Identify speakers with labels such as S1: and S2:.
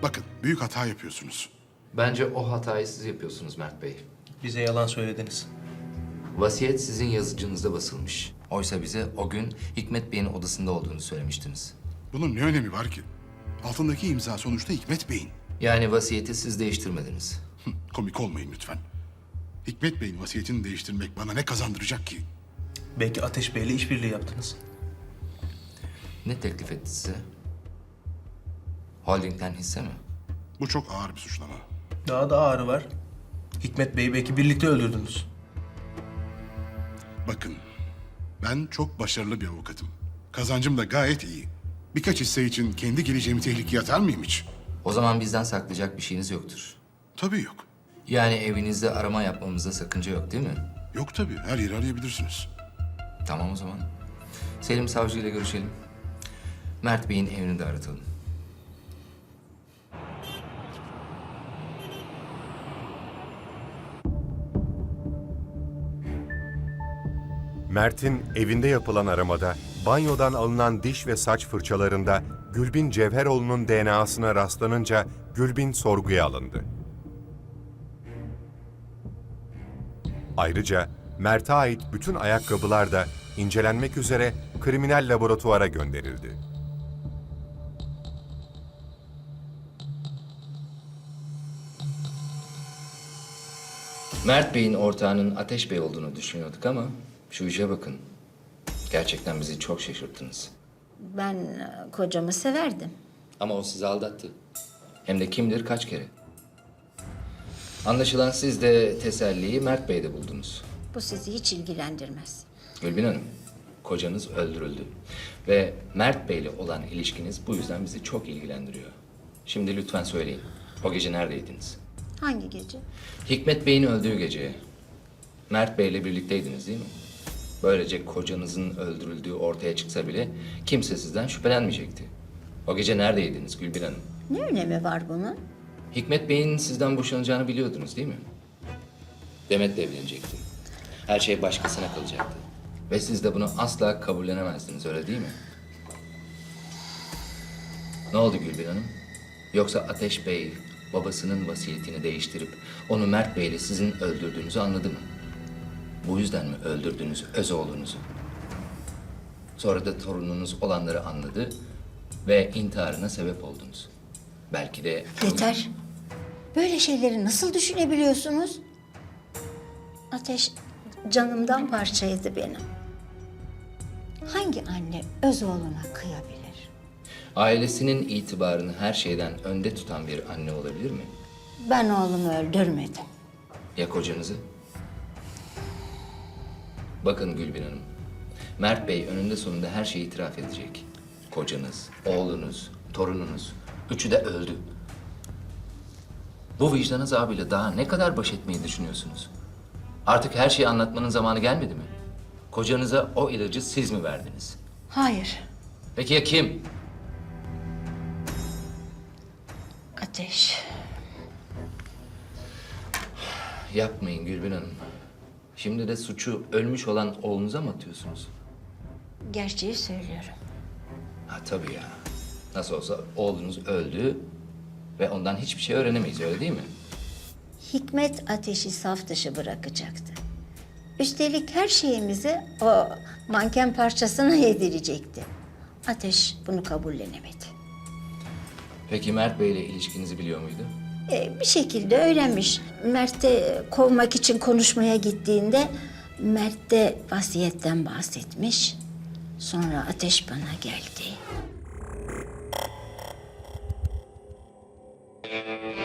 S1: Bakın, büyük hata yapıyorsunuz.
S2: Bence o hatayı siz yapıyorsunuz Mert Bey.
S3: Bize yalan söylediniz.
S2: Vasiyet sizin yazıcınızda basılmış. Oysa bize o gün Hikmet Bey'in odasında olduğunu söylemiştiniz.
S1: Bunun ne önemi var ki? Altındaki imza sonuçta Hikmet Bey'in.
S2: Yani vasiyeti siz değiştirmediniz.
S1: Komik olmayın lütfen. Hikmet Bey'in vasiyetini değiştirmek bana ne kazandıracak ki?
S3: Belki Ateş Bey'le işbirliği yaptınız.
S2: Ne teklif etti size? Holding'den hisse mi?
S1: Bu çok ağır bir suçlama.
S3: Daha da ağrı var. Hikmet Bey'i belki birlikte öldürdünüz.
S1: Bakın, ben çok başarılı bir avukatım. Kazancım da gayet iyi. Birkaç hisse için kendi geleceğimi tehlikeye atar mıyım hiç?
S2: O zaman bizden saklayacak bir şeyiniz yoktur.
S1: Tabii yok.
S2: Yani evinizde arama yapmamızda sakınca yok değil mi?
S1: Yok tabii, her yeri arayabilirsiniz.
S2: Tamam o zaman. Selim Savcı ile görüşelim. Mert Bey'in evini de aratalım.
S4: Mert'in evinde yapılan aramada banyodan alınan diş ve saç fırçalarında Gülbin Cevheroğlu'nun DNA'sına rastlanınca Gülbin sorguya alındı. Ayrıca Mert'e ait bütün ayakkabılar da incelenmek üzere kriminal laboratuvara gönderildi.
S2: Mert Bey'in ortağının Ateş Bey olduğunu düşünüyorduk ama şu işe bakın. Gerçekten bizi çok şaşırttınız.
S5: Ben kocamı severdim.
S2: Ama o sizi aldattı. Hem de kim bilir kaç kere. Anlaşılan siz de teselliyi Mert Bey'de buldunuz.
S5: Bu sizi hiç ilgilendirmez.
S2: Gülbin Hanım, kocanız öldürüldü. Ve Mert Bey'le olan ilişkiniz bu yüzden bizi çok ilgilendiriyor. Şimdi lütfen söyleyin, o gece neredeydiniz?
S5: Hangi gece?
S2: Hikmet Bey'in öldüğü gece. Mert Bey'le birlikteydiniz değil mi? Böylece kocanızın öldürüldüğü ortaya çıksa bile kimse sizden şüphelenmeyecekti. O gece neredeydiniz Gülbin Hanım?
S5: Ne önemi var bunun?
S2: Hikmet Bey'in sizden boşanacağını biliyordunuz değil mi? Demet'le evlenecekti. Her şey başkasına kalacaktı. Ve siz de bunu asla kabullenemezdiniz, öyle değil mi? Ne oldu Gülbin Hanım? Yoksa Ateş Bey babasının vasiyetini değiştirip onu Mert Bey'le sizin öldürdüğünüzü anladı mı? Bu yüzden mi öldürdünüz öz oğlunuzu? Sonra da torununuz olanları anladı ve intiharına sebep oldunuz. Belki de...
S5: Yeter. Böyle şeyleri nasıl düşünebiliyorsunuz? Ateş canımdan parçaydı benim. Hangi anne öz oğluna kıyabilir?
S2: Ailesinin itibarını her şeyden önde tutan bir anne olabilir mi?
S5: Ben oğlumu öldürmedim.
S2: Ya kocanızı? Bakın Gülbin Hanım, Mert Bey önünde sonunda her şeyi itiraf edecek. Kocanız, oğlunuz, torununuz, üçü de öldü. Bu vicdan azabıyla daha ne kadar baş etmeyi düşünüyorsunuz? Artık her şeyi anlatmanın zamanı gelmedi mi? Kocanıza o ilacı siz mi verdiniz?
S5: Hayır.
S2: Peki ya kim?
S5: Ateş.
S2: Yapmayın Gülbin Hanım. Şimdi de suçu ölmüş olan oğlunuza mı atıyorsunuz?
S5: Gerçeği söylüyorum.
S2: Ha tabii ya. Nasıl olsa oğlunuz öldü ve ondan hiçbir şey öğrenemeyiz, öyle değil mi?
S5: Hikmet Ateş'i saf dışı bırakacaktı. Üstelik her şeyimizi o manken parçasına yedirecekti. Ateş bunu kabullenemedi.
S2: Peki Mert Bey'le ilişkinizi biliyor muydu?
S5: Bir şekilde öğrenmiş. Mert'e kovmak için konuşmaya gittiğinde Mert de vasiyetten bahsetmiş. Sonra Ateş bana geldi.